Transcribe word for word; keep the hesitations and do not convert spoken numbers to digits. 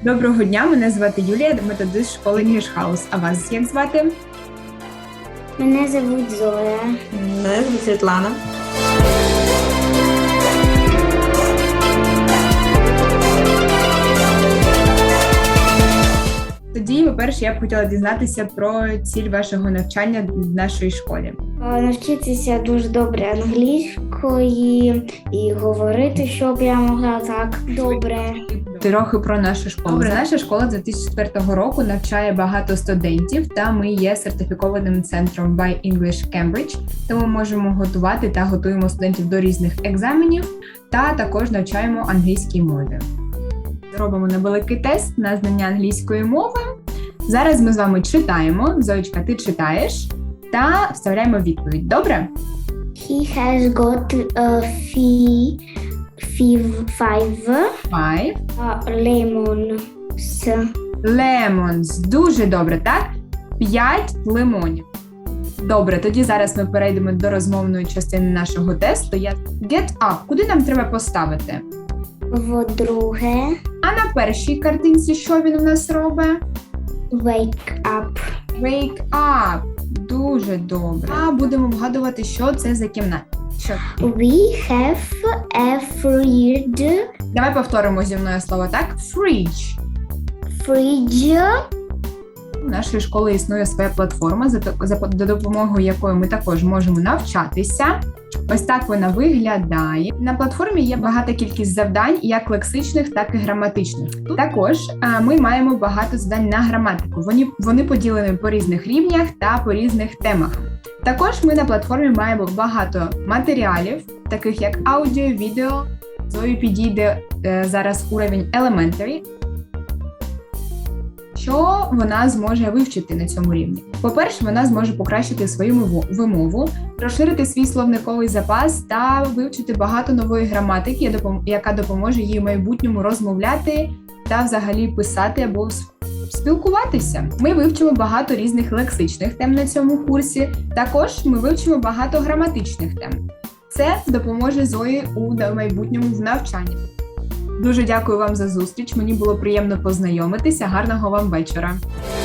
Доброго дня, мене звати Юлія, методист школи English House. А вас як звати? Мене звуть Зоя. Мене звуть Світлана. Тоді, по-перше, я б хотіла дізнатися про ціль вашого навчання в нашій школі. Навчитися дуже добре англійської і говорити, щоб я могла так добре. Трохи про нашу школу. Добре, наша школа з дві тисячі четвертого року навчає багато студентів, та ми є сертифікованим центром By English Cambridge, тому можемо готувати та готуємо студентів до різних екзаменів, та також навчаємо англійській мові. Робимо невеликий тест на знання англійської мови. Зараз ми з вами читаємо. Зоєчка, ти читаєш та вставляємо відповідь. Добре? He has got a fee, fee five, Five. uh, lemons. Lemons. Дуже добре, так? П'ять лимонів. Добре, тоді зараз ми перейдемо до розмовної частини нашого тесту. Я Get up. Куди нам треба поставити? По-друге, А на першій картинці що він у нас робить? wake up. Wake up. Дуже добре. А будемо вгадувати, що це за кімната. Що? We have a fridge. Давай повторимо зі мною слово, так? Fridge. Fridge. У нашої школи існує своя платформа, за, за за допомогою якої ми також можемо навчатися. Ось так вона виглядає. На платформі є багата кількість завдань, як лексичних, так і граматичних. Також а, ми маємо багато завдань на граматику. Вони, вони поділені по різних рівнях та по різних темах. Також ми на платформі маємо багато матеріалів, таких як аудіо, відео. Зої підійде е, зараз уровень Elementary, що вона зможе вивчити на цьому рівні. По-перше, вона зможе покращити свою вимову, розширити свій словниковий запас та вивчити багато нової граматики, яка допоможе їй в майбутньому розмовляти та взагалі писати або спілкуватися. Ми вивчимо багато різних лексичних тем на цьому курсі, також ми вивчимо багато граматичних тем. Це допоможе Зої у майбутньому в навчанні. Дуже дякую вам за зустріч, мені було приємно познайомитися, гарного вам вечора.